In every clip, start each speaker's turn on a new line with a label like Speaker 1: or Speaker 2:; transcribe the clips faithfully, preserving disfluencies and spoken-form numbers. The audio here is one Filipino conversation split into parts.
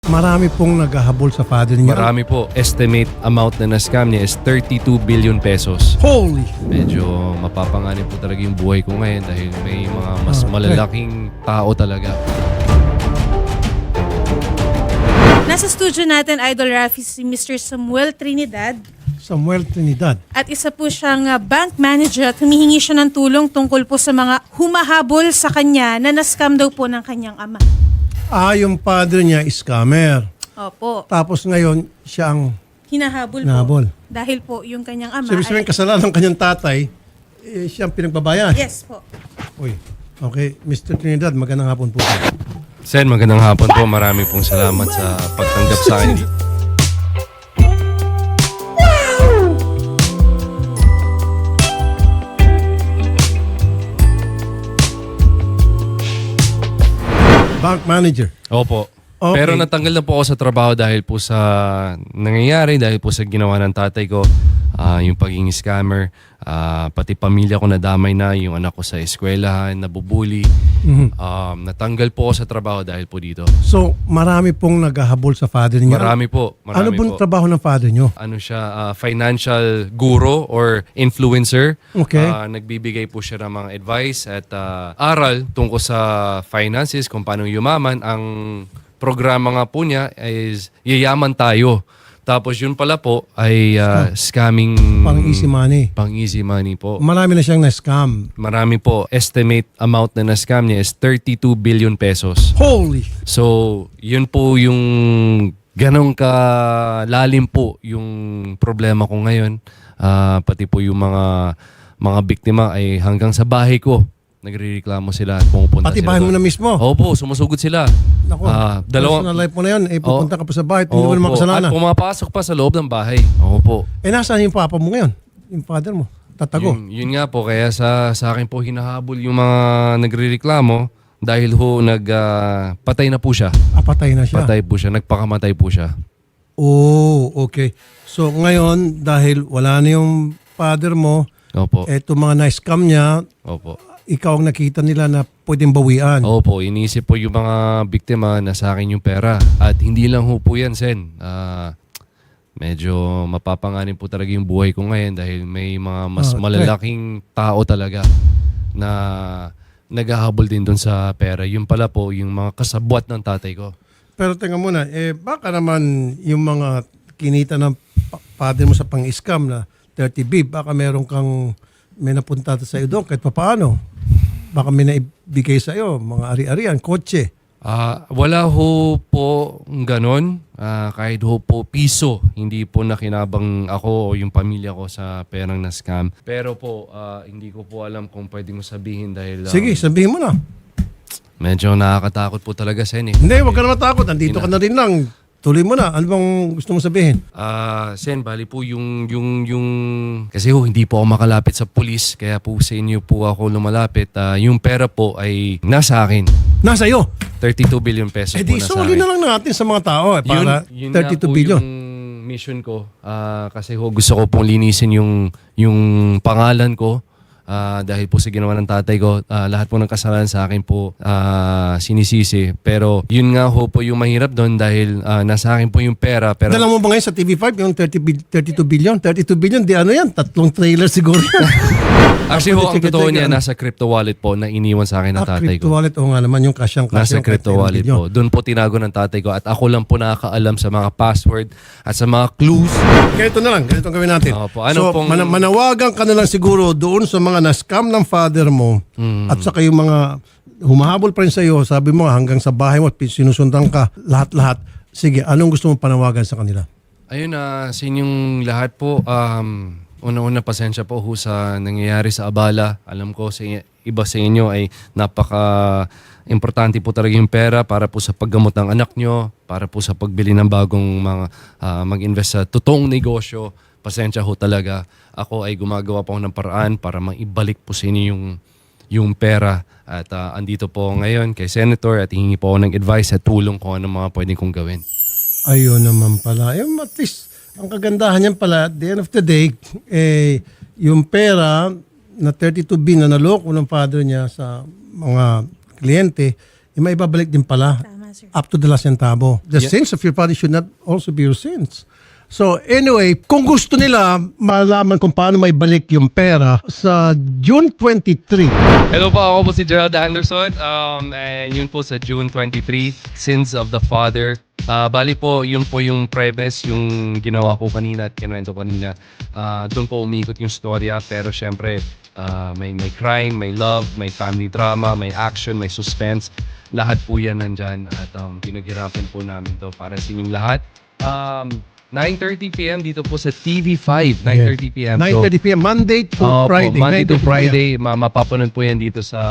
Speaker 1: Marami pong naghahabol sa father niya.
Speaker 2: Marami po. Estimate amount na na-scam niya is thirty-two billion pesos.
Speaker 1: Holy!
Speaker 2: Medyo mapapanganib po talaga yung buhay ko ngayon dahil may mga mas
Speaker 1: Okay.
Speaker 2: malalaking tao talaga.
Speaker 3: Nasa studio natin, Idol Rafi, si Mister Samuel Trinidad.
Speaker 1: Samuel Trinidad.
Speaker 3: At isa po siyang uh, bank manager at humihingi siya ng tulong tungkol po sa mga humahabol sa kanya na na-scam daw po ng kanyang ama.
Speaker 1: Ah, yung father niya is scammer.
Speaker 3: Opo.
Speaker 1: Tapos ngayon, siya ang...
Speaker 3: Hinahabol,
Speaker 1: Hinahabol.
Speaker 3: po. Dahil po yung kanyang ama
Speaker 1: So, ibig sabihin, kasalanan ng kanyang tatay, eh, siya ang pinagbabayan.
Speaker 3: Yes po.
Speaker 1: Uy, okay. Mister Trinidad, magandang hapon po.
Speaker 2: Sen, magandang hapon po. Marami pong salamat sa pagtanggap sa akin.
Speaker 1: Bank manager.
Speaker 2: Opo.
Speaker 1: Okay.
Speaker 2: Pero natanggal na po ako sa trabaho dahil po sa nangyayari, dahil po sa ginawa ng tatay ko, ah, yung pagiging scammer, ah, pati pamilya ko nadamay na, yung anak ko sa eskwelahan, nabubuli. Um, natanggal po ako sa trabaho dahil po dito.
Speaker 1: So, marami pong naghahabol sa father niya.
Speaker 2: Marami po. Marami
Speaker 1: Ano pong
Speaker 2: po.
Speaker 1: trabaho ng father niyo?
Speaker 2: Ano siya, ah, financial guru or influencer.
Speaker 1: Okay.
Speaker 2: Ah, nagbibigay po siya ng mga advice at ah, aral tungkol sa finances, kung paano yumaman. Ang programa nga po niya is Yayaman Tayo. Tapos yun pala po ay ah, scamming...
Speaker 1: Pang easy money.
Speaker 2: Pang easy money po.
Speaker 1: Marami na siyang na-scam.
Speaker 2: Marami po. Estimate amount na na-scam niya is thirty-two billion pesos.
Speaker 1: Holy!
Speaker 2: So, yun po yung ganong kalalim po yung problema ko ngayon. Ah, pati po yung mga mga biktima ay hanggang sa bahay ko. Nagrereklamo sila at pumupunta
Speaker 1: Pati
Speaker 2: sila
Speaker 1: bahay mo
Speaker 2: doon.
Speaker 1: na mismo.
Speaker 2: Opo, sumusugod sila.
Speaker 1: Naku,
Speaker 2: Ah, dalawang-
Speaker 1: personal life mo na yun. Eh, pupunta ka pa sa bahay. Hindi mo
Speaker 2: Opo.
Speaker 1: naman kasalanan.
Speaker 2: At pumapasok pa sa loob ng bahay. Opo.
Speaker 1: Eh, nasaan yung papa mo ngayon? Yung father mo? Tatago.
Speaker 2: Yun, yun nga po, kaya sa, sa akin po hinahabol yung mga nagrereklamo dahil ho nag, ah, patay na po siya.
Speaker 1: Ah, patay na siya.
Speaker 2: Patay po siya, nagpakamatay po siya.
Speaker 1: Oh, okay. So, ngayon, dahil wala na yung father mo,
Speaker 2: Opo.
Speaker 1: eto mga na-scam niya,
Speaker 2: Opo.
Speaker 1: ikaw ang nakita nila na pwedeng bawian.
Speaker 2: Opo, iniisip po yung mga biktima na sa akin yung pera. At hindi lang ho po yan, Sen. Ah, medyo mapapanganib po talaga yung buhay ko ngayon dahil may mga mas
Speaker 1: Okay.
Speaker 2: malalaking tao talaga na naghahabol din doon sa pera. Yung pala po, yung mga kasabwat ng tatay ko.
Speaker 1: Pero tingnan muna, eh, baka naman yung mga kinita ng pa- father mo sa pang-scam na thirty B, baka meron kang may napunta sa iyo doon kahit papaano. Baka may naibigay sa iyo, mga ari-arian, kotse.
Speaker 2: Ah, wala ho po ganon. Ah, kahit ho po piso, hindi po nakinabang ako o yung pamilya ko sa perang na scam. Pero po, ah, hindi ko po alam kung pwede mo sabihin dahil um,
Speaker 1: Sige, sabihin mo na.
Speaker 2: medyo nakakatakot po talaga, Sen. Eh.
Speaker 1: Hindi, huwag ka na matakot. Andito ka na rin lang. Tuloy mo na. Ano bang gusto mo sabihin?
Speaker 2: Ah, Sen, bali po yung, yung, yung... Kasi ho, hindi po ako makalapit sa pulis, kaya po sa inyo po ako lumalapit. Ah, yung pera po ay nasa akin.
Speaker 1: Nasa iyo.
Speaker 2: thirty-two billion pesos
Speaker 1: Eh
Speaker 2: po
Speaker 1: di,
Speaker 2: nasa
Speaker 1: soli
Speaker 2: akin.
Speaker 1: na lang natin sa mga tao eh,
Speaker 2: Yun,
Speaker 1: para
Speaker 2: yun nga
Speaker 1: thirty-two
Speaker 2: po
Speaker 1: billion.
Speaker 2: yung mission ko. Ah, kasi ho, gusto ko pong linisin yung, yung pangalan ko. Ah, dahil po sa ginawa ng tatay ko, ah, lahat po ng kasalanan sa akin po ah, sinisisi. Pero yun nga ho po yung mahirap doon dahil ah, nasa akin po yung pera. Pero
Speaker 1: Dala mo ba ngayon sa T V five yung thirty bil- thirty-two billion? thirty-two billion, di ano yan? Tatlong trailer siguro yan.
Speaker 2: actually ho, ang
Speaker 1: Check it,
Speaker 2: totoo
Speaker 1: check it.
Speaker 2: niya, nasa crypto wallet po na iniwan sa akin ng
Speaker 1: Ah,
Speaker 2: tatay
Speaker 1: crypto
Speaker 2: ko.
Speaker 1: wallet. O nga naman yung kasyang
Speaker 2: Nasa
Speaker 1: kasyang
Speaker 2: crypto wallet po. Doon po tinago ng tatay ko at ako lang po nakakaalam sa mga password at sa mga clues.
Speaker 1: Ganito na lang, ganito ang gawin natin.
Speaker 2: Opo, ano
Speaker 1: so,
Speaker 2: pong-
Speaker 1: mana- manawagan ka na lang siguro doon sa mga na-scam ng father mo
Speaker 2: Hmm.
Speaker 1: at saka yung mga humahabol pa rin sa iyo, sabi mo hanggang sa bahay mo, sinusundan ka, lahat-lahat. Sige, anong gusto mong panawagan sa kanila?
Speaker 2: Ayun na, sa inyong lahat po, um, una-una pasensya po ho sa nangyayari sa abala. Alam ko sa i- iba sa inyo ay napaka-importante po talaga yung pera para po sa paggamot ng anak nyo, para po sa pagbili ng bagong mga ah, mag-invest sa totoong negosyo. Pasensya ho talaga. Ako ay gumagawa po ng paraan para maibalik po sa inyo yung, yung pera. At ah, andito po ngayon kay Senator at hihingi po ako ng advice at tulong kung ano mga pwedeng kong gawin.
Speaker 1: Ayun naman pala. Eh, at least, ang kagandahan niyan pala, at the end of the day, eh, yung pera na thirty-two B na naloko ng father niya sa mga kliyente, eh, maibabalik din pala.
Speaker 3: Tama answer.
Speaker 1: Up to the last centavo. The sins of your father should not also be your sins. So anyway, kung gusto nila malaman kung paano may balik yung pera sa June twenty-three.
Speaker 2: Hello po, ako po si Gerald Anderson. Um, and yun po sa June twenty-third, Sins of the Father. Ah, bali po, yun po yung premise, yung ginawa ko kanina at kinuwento kanina. Ah, doon po umikot yung storya, pero syempre, ah, may, may crime, may love, may family drama, may action, may suspense. Lahat po yan nandyan at um, pinaghirapan po namin to para sa inyong lahat. Um, nine thirty p.m. dito po sa T V five, nine thirty p.m.
Speaker 1: nine thirty p.m. Monday to
Speaker 2: Opo,
Speaker 1: Friday.
Speaker 2: Monday to
Speaker 1: nine thirty p m.
Speaker 2: Friday, ma mapapanood po yan dito sa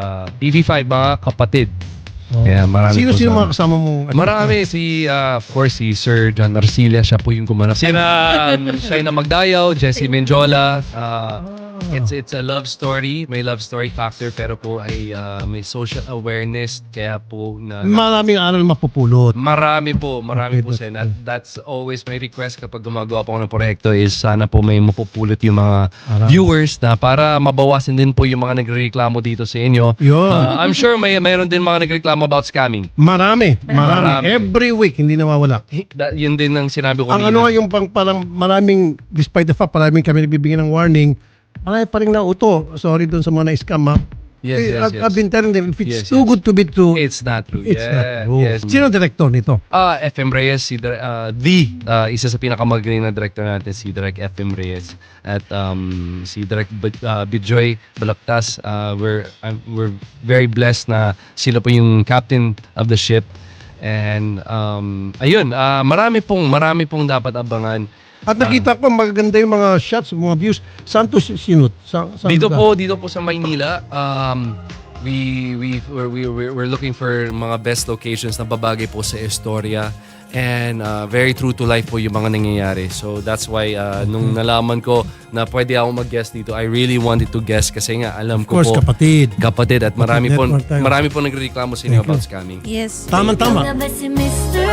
Speaker 2: T V five, mga kapatid. Kaya marami po
Speaker 1: Sino-sino
Speaker 2: sa-
Speaker 1: mga kasama mo?
Speaker 2: Marami. Si, uh, of course, si Sir John Arcilla, siya po yung gumanap. Sina um, Shaina Magdayaw, Jessie Menjola. Uh, it's it's a love story. May love story factor, pero po ay uh, may social awareness. Kaya po na...
Speaker 1: Maraming aral mapupulot.
Speaker 2: Marami po, marami
Speaker 1: Okay,
Speaker 2: po
Speaker 1: that's
Speaker 2: Sen. At that's always my request kapag gumagawa po ako ng proyekto is sana po may mapupulot yung mga
Speaker 1: Marami.
Speaker 2: viewers na para mabawasan din po yung mga nagrereklamo dito sa inyo.
Speaker 1: Yun.
Speaker 2: Uh, I'm sure may mayroon din mga nagreklamo about scamming.
Speaker 1: Marami, marami.
Speaker 2: Marami.
Speaker 1: Every week, hindi nawawala.
Speaker 2: Da, yun din ang sinabi ko
Speaker 1: Ang ano nga yung pang, parang maraming, despite the fact, maraming kami nagbibigyan ng warning, marami pa rin nauto. Sorry doon sa mga na-scam ha.
Speaker 2: Yes,
Speaker 1: Eh,
Speaker 2: yes,
Speaker 1: I've,
Speaker 2: yes.
Speaker 1: I've been telling them, if
Speaker 2: Yes,
Speaker 1: it's too
Speaker 2: yes.
Speaker 1: good to be true,
Speaker 2: It's not true.
Speaker 1: it's
Speaker 2: yeah,
Speaker 1: not true.
Speaker 2: Yes.
Speaker 1: Sino ang director nito?
Speaker 2: Ah, F M Reyes, si Dir- ah, the ah, isa sa pinakamagaling na director natin, si Direk F M Reyes. At um, si Direk B- ah, Bijoy Balaktas, ah, we're, I'm, we're very blessed na sila po yung captain of the ship. And um, ayun, ah, marami pong marami pong dapat abangan.
Speaker 1: At nakita ko magaganda yung mga shots, mga views. Saan to si- sinut? Sa, saan
Speaker 2: Dito
Speaker 1: lugar?
Speaker 2: po, dito po sa Maynila, um, we we we're, we we're, we're looking for mga best locations na babagay po sa istorya and uh, very true to life po yung mga nangyayari. So that's why uh, nung nalaman ko na pwede ako mag-guest dito, I really wanted to guest kasi nga alam
Speaker 1: Of
Speaker 2: ko
Speaker 1: course,
Speaker 2: po
Speaker 1: kapatid.
Speaker 2: kapatid at marami po
Speaker 1: Network tayo.
Speaker 2: marami po nagrereklamo sa inyo
Speaker 1: Thank you.
Speaker 2: about scamming.
Speaker 3: Yes.
Speaker 1: Tama-tama.
Speaker 4: Ikaw na ba si mister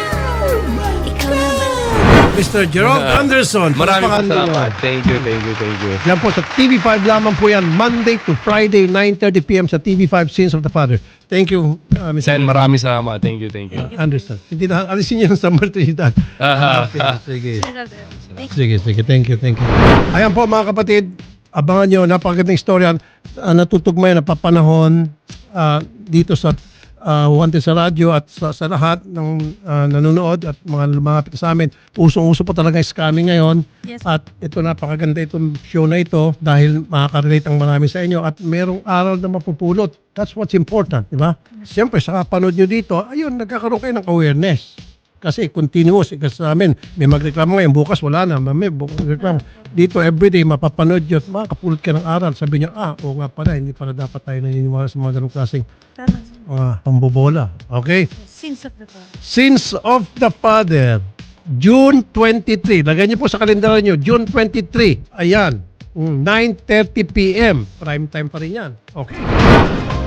Speaker 4: Right? Ikaw na ba?
Speaker 1: Mister Gerald Anderson.
Speaker 2: Marami po
Speaker 1: Pangalan
Speaker 2: salamat.
Speaker 1: niyo.
Speaker 2: Thank you, thank you, thank you.
Speaker 1: Yan po sa T V five lamang po yan. Monday to Friday, nine thirty p.m. sa T V five Sins of the Father. Thank you, uh, Mister
Speaker 2: Sen, marami salamat. Thank you, thank you.
Speaker 1: Anderson. Hindi na, alisin niyo sa martiridad. Okay, sige. Sige, sige. Thank you, thank you. Ayan po mga kapatid, abangan nyo, napakagandang istorya. Uh, natutugmay, napapanahon uh, dito sa uh, Wanted sa radyo at sa, sa lahat ng uh, nanonood at mga lumapit sa amin. Usong-uso po talaga yung scamming ngayon.
Speaker 3: Yes.
Speaker 1: At ito napakaganda itong show na ito dahil makaka-relate ang marami sa inyo at merong aral na mapupulot. That's what's important, di ba? Siyempre, sa kapanood nyo dito, ayun, nagkakaroon kayo ng awareness. Kasi continuous, kasi sa amin, may magreklamo ngayon, bukas wala na, may bukas reklamo. Dito, everyday, mapapanood yun, at makakapulot ka ng aral. Sabi niyo, ah, oo nga pala, hindi pala dapat tayo naniniwala sa mga ganong klaseng
Speaker 3: Tama.
Speaker 1: mga pambobola. Okay?
Speaker 3: Sins of the Father.
Speaker 1: Sins of the Father, June twenty-third. Lagay niyo po sa kalendara niyo, June twenty-third. Ayan, nine thirty p.m. Prime time pa rin yan. Okay.